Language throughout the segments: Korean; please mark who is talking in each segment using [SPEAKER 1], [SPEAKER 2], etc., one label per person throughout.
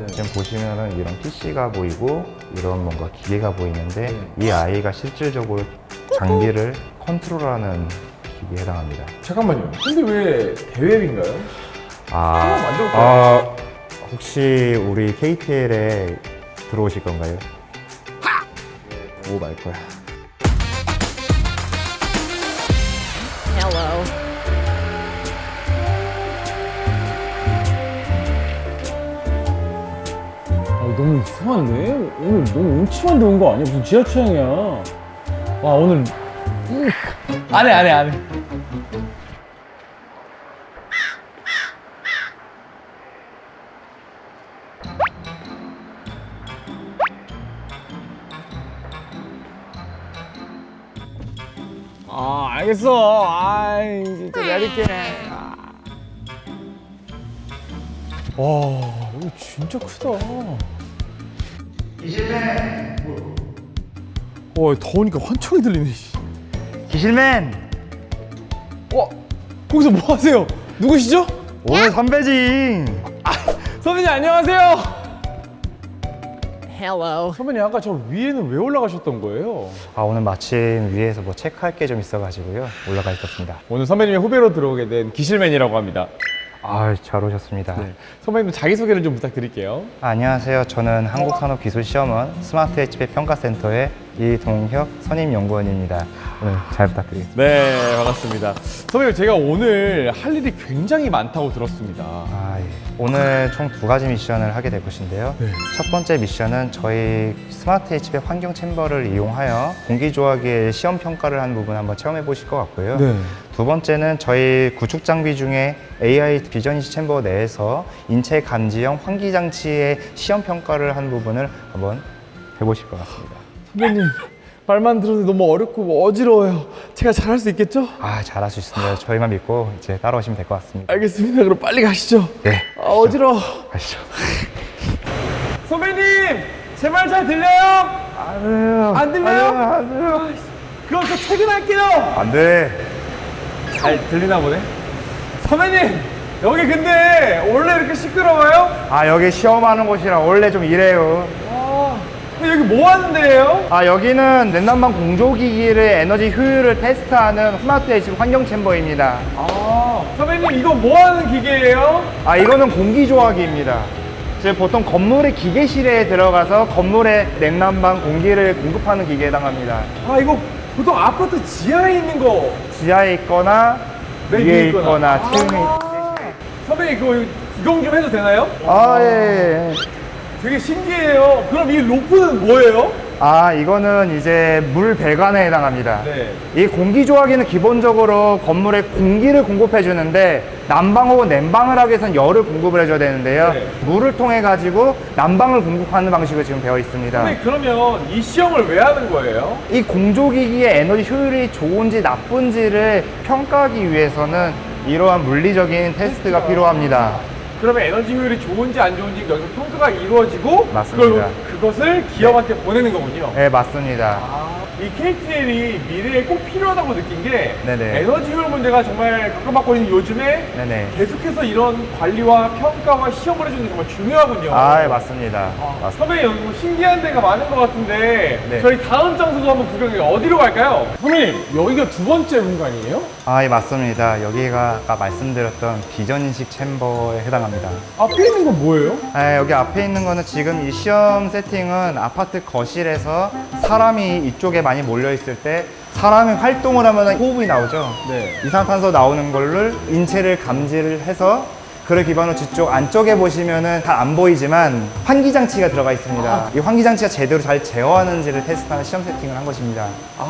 [SPEAKER 1] 네.
[SPEAKER 2] 지금 보시면은 이런 PC가 보이고 이런 뭔가 기계가 보이는데 이 아이가 실질적으로 장비를 컨트롤하는 기계에 해당합니다.
[SPEAKER 1] 잠깐만요. 근데 왜 대웹인가요? 한번 만져볼까요?
[SPEAKER 2] 혹시 우리 KTL에 들어오실 건가요? 오 말 거야.
[SPEAKER 3] Hello.
[SPEAKER 4] 너무 이상한데? 오늘 너무 음침한데 온 거 아니야? 무슨 지하 취향이야? 와 오늘 안 해. 알겠어. 아이 진짜 내릴게. 와 이거 진짜 크다.
[SPEAKER 2] 기실맨!
[SPEAKER 4] 와 더우니까 환청이 들리네.
[SPEAKER 2] 기실맨!
[SPEAKER 4] 와 거기서 뭐 하세요? 누구시죠?
[SPEAKER 2] 오늘 선배지!
[SPEAKER 4] 선배님 안녕하세요.
[SPEAKER 3] Hello.
[SPEAKER 4] 선배님 아까 저 위에는 왜 올라가셨던 거예요?
[SPEAKER 2] 오늘 마침 위에서 뭐 체크할 게 좀 있어가지고요. 올라가 있었습니다.
[SPEAKER 4] 오늘 선배님의 후배로 들어오게 된 기실맨이라고 합니다.
[SPEAKER 2] 잘 오셨습니다.
[SPEAKER 4] 선배님 자기소개를 좀 부탁드릴게요.
[SPEAKER 2] 안녕하세요. 저는 한국산업기술시험원 스마트 HP 평가센터의 이동혁 선임연구원입니다. 오늘 잘 부탁드리겠습니다.
[SPEAKER 4] 네 반갑습니다. 선배님 제가 오늘 할 일이 굉장히 많다고 들었습니다.
[SPEAKER 2] 예. 오늘 총 2가지 미션을 하게 될 것인데요. 첫 번째 미션은 저희 스마트 HP 환경 챔버를 이용하여 공기조화기의 시험 평가를 한 부분 한번 체험해 보실 것 같고요. 두 번째는 저희 구축 장비 중에 AI 비전인식 챔버 내에서 인체 감지형 환기 장치의 시험 평가를 한 부분을 한번 해보실 것 같습니다.
[SPEAKER 4] 선배님 말만 들어도 너무 어렵고 어지러워요. 제가 잘할 수 있겠죠?
[SPEAKER 2] 잘할 수 있습니다. 저희만 믿고 이제 따라오시면 될 것 같습니다.
[SPEAKER 4] 알겠습니다. 그럼 빨리 가시죠.
[SPEAKER 2] 네.
[SPEAKER 4] 어지러워.
[SPEAKER 2] 가시죠.
[SPEAKER 4] 선배님 제 말 잘 들려요? 안 들려요?
[SPEAKER 2] 안 돼요.
[SPEAKER 4] 그럼 저 퇴근할게요.
[SPEAKER 2] 안 돼.
[SPEAKER 4] 잘 들리나 보네. 선배님 여기 근데 원래 이렇게 시끄러워요?
[SPEAKER 2] 여기 시험하는 곳이라 원래 좀 이래요.
[SPEAKER 4] 여기 뭐 하는 데예요?
[SPEAKER 2] 여기는 냉난방 공조기기를 에너지 효율을 테스트하는 스마트 HP 환경 챔버입니다.
[SPEAKER 4] 선배님 이거 뭐 하는 기계예요?
[SPEAKER 2] 이거는 공기조화기입니다. 지금 보통 건물의 기계실에 들어가서 건물에 냉난방 공기를 공급하는 기계에 해당합니다.
[SPEAKER 4] 이거 보통 아파트 지하에 있는 거.
[SPEAKER 2] 지하에 있거나 위에 있거나 층에
[SPEAKER 4] 선배님 그거 구경 좀 해도 되나요?
[SPEAKER 2] 예.
[SPEAKER 4] 되게 신기해요. 그럼 이 로프는 뭐예요?
[SPEAKER 2] 이거는 이제 물 배관에 해당합니다.
[SPEAKER 4] 네.
[SPEAKER 2] 이 공기조화기는 기본적으로 건물에 공기를 공급해 주는데 난방 혹은 냉방을 하기 위해서는 열을 공급을 해줘야 되는데요.
[SPEAKER 4] 네.
[SPEAKER 2] 물을 통해 가지고 난방을 공급하는 방식으로 지금 되어 있습니다.
[SPEAKER 4] 선배님 그러면 이 시험을 왜 하는 거예요?
[SPEAKER 2] 이 공조기기의 에너지 효율이 좋은지 나쁜지를 평가하기 위해서는 이러한 물리적인 테스트가 필요합니다.
[SPEAKER 4] 그러면 에너지 효율이 좋은지 안 좋은지 여기서 평가가 이루어지고
[SPEAKER 2] 맞습니다.
[SPEAKER 4] 그것을 기업한테 보내는 거군요.
[SPEAKER 2] 네, 맞습니다.
[SPEAKER 4] 이 KTL이 미래에 꼭 필요하다고 느낀 게
[SPEAKER 2] 네네.
[SPEAKER 4] 에너지 효율 문제가 정말 각광받고 있는 요즘에
[SPEAKER 2] 네네.
[SPEAKER 4] 계속해서 이런 관리와 평가와 시험을 해주는 게 정말 중요하군요.
[SPEAKER 2] 예, 맞습니다. 맞습니다.
[SPEAKER 4] 선배님 여기 뭐 신기한 데가 많은 것 같은데
[SPEAKER 2] 네.
[SPEAKER 4] 저희 다음 장소도 한번 구경해요. 어디로 갈까요? 선배님 여기가 두 번째 공간이에요?
[SPEAKER 2] 예, 맞습니다. 여기가 아까 말씀드렸던 비전인식 챔버에 해당합니다.
[SPEAKER 4] 앞에 있는 건 뭐예요?
[SPEAKER 2] 여기 앞에 있는 거는 지금 이 시험 세팅은 아파트 거실에서 사람이 이쪽에 많이 몰려 있을 때 사람이 활동을 하면 호흡이 나오죠.
[SPEAKER 4] 네.
[SPEAKER 2] 이산화탄소 나오는 거를 인체를 감지를 해서 그를 기반으로 뒤쪽 안쪽에 보시면은 잘 안 보이지만 환기장치가 들어가 있습니다. 이 환기장치가 제대로 잘 제어하는지를 테스트하는 시험 세팅을 한 것입니다.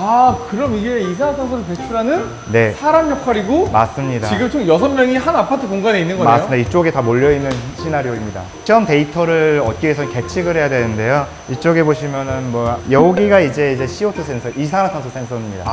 [SPEAKER 4] 그럼 이게 이산화탄소를 배출하는
[SPEAKER 2] 네,
[SPEAKER 4] 사람 역할이고
[SPEAKER 2] 맞습니다.
[SPEAKER 4] 지금 총 6명이 한 아파트 공간에 있는 거네요?
[SPEAKER 2] 맞습니다. 이쪽에 다 몰려있는 시나리오입니다. 시험 데이터를 얻기 위해서는 계측을 해야 되는데요. 이쪽에 보시면은 여기가 이제 CO2 센서, 이산화탄소 센서입니다.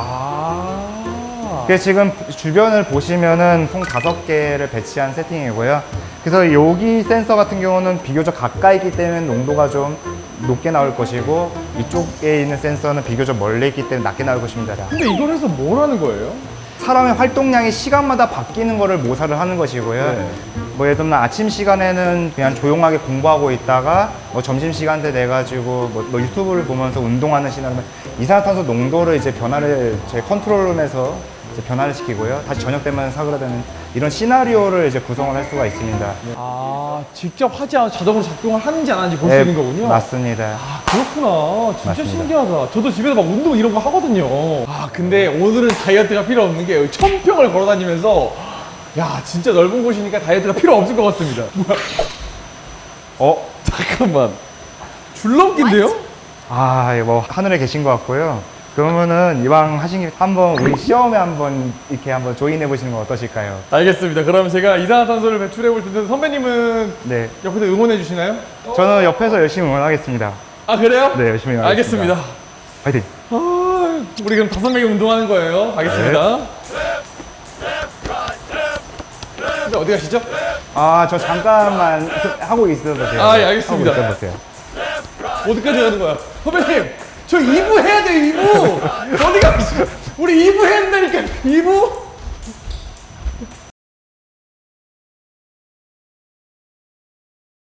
[SPEAKER 2] 그래서 지금 주변을 보시면은 총 5개를 배치한 세팅이고요. 그래서 여기 센서 같은 경우는 비교적 가까이 있기 때문에 농도가 좀 높게 나올 것이고 이쪽에 있는 센서는 비교적 멀리 있기 때문에 낮게 나올 것입니다.
[SPEAKER 4] 근데 이걸 해서 뭘 하는 거예요?
[SPEAKER 2] 사람의 활동량이 시간마다 바뀌는 거를 모사를 하는 것이고요. 뭐 예를 들면 아침 시간에는 그냥 조용하게 공부하고 있다가 뭐 점심 시간대 돼 가지고 뭐 유튜브를 보면서 운동하는 시간이면 이산화탄소 농도를 이제 변화를 제 컨트롤룸에서 이제 변화를 시키고요. 다시 저녁 되면 사그라드는 이런 시나리오를 이제 구성을 할 수가 있습니다.
[SPEAKER 4] 아, 직접 하지 않아도 자동으로 작동을 하는지 안 하는지 볼 수 있는 거군요?
[SPEAKER 2] 맞습니다.
[SPEAKER 4] 아, 그렇구나. 진짜
[SPEAKER 2] 맞습니다.
[SPEAKER 4] 신기하다. 저도 집에서 막 운동 이런 거 하거든요. 아, 근데 오늘은 다이어트가 필요 없는 게 여기 천평을 걸어 다니면서 야, 진짜 넓은 곳이니까 다이어트가 필요 없을 것 같습니다. 뭐야? 잠깐만. 줄넘기인데요?
[SPEAKER 2] 아, 이거 뭐 하늘에 계신 것 같고요. 그러면은 이왕 하신 김에 한번 우리 시험에 한번 이렇게 한번 조인해 보시는 건 어떠실까요?
[SPEAKER 4] 알겠습니다. 그럼 제가 이산화탄소를 배출해 볼 텐데 선배님은
[SPEAKER 2] 네,
[SPEAKER 4] 옆에서 응원해 주시나요?
[SPEAKER 2] 저는 옆에서 열심히 응원하겠습니다.
[SPEAKER 4] 아, 그래요?
[SPEAKER 2] 네, 열심히 응원하겠습니다.
[SPEAKER 4] 알겠습니다.
[SPEAKER 2] 화이팅!
[SPEAKER 4] 아, 우리 그럼 5명이 운동하는 거예요. 알겠습니다. 선배 어디 가시죠?
[SPEAKER 2] 아, 저 잠깐만 하고 있어도 돼요.
[SPEAKER 4] 아, 예, 알겠습니다.
[SPEAKER 2] 하고 있어도 돼요.
[SPEAKER 4] 어디까지 가는 거야? 선배님, 저 2부 해야 돼요, 2부! 어디 가시죠? 우리 2부 해야 된다니까, 2부?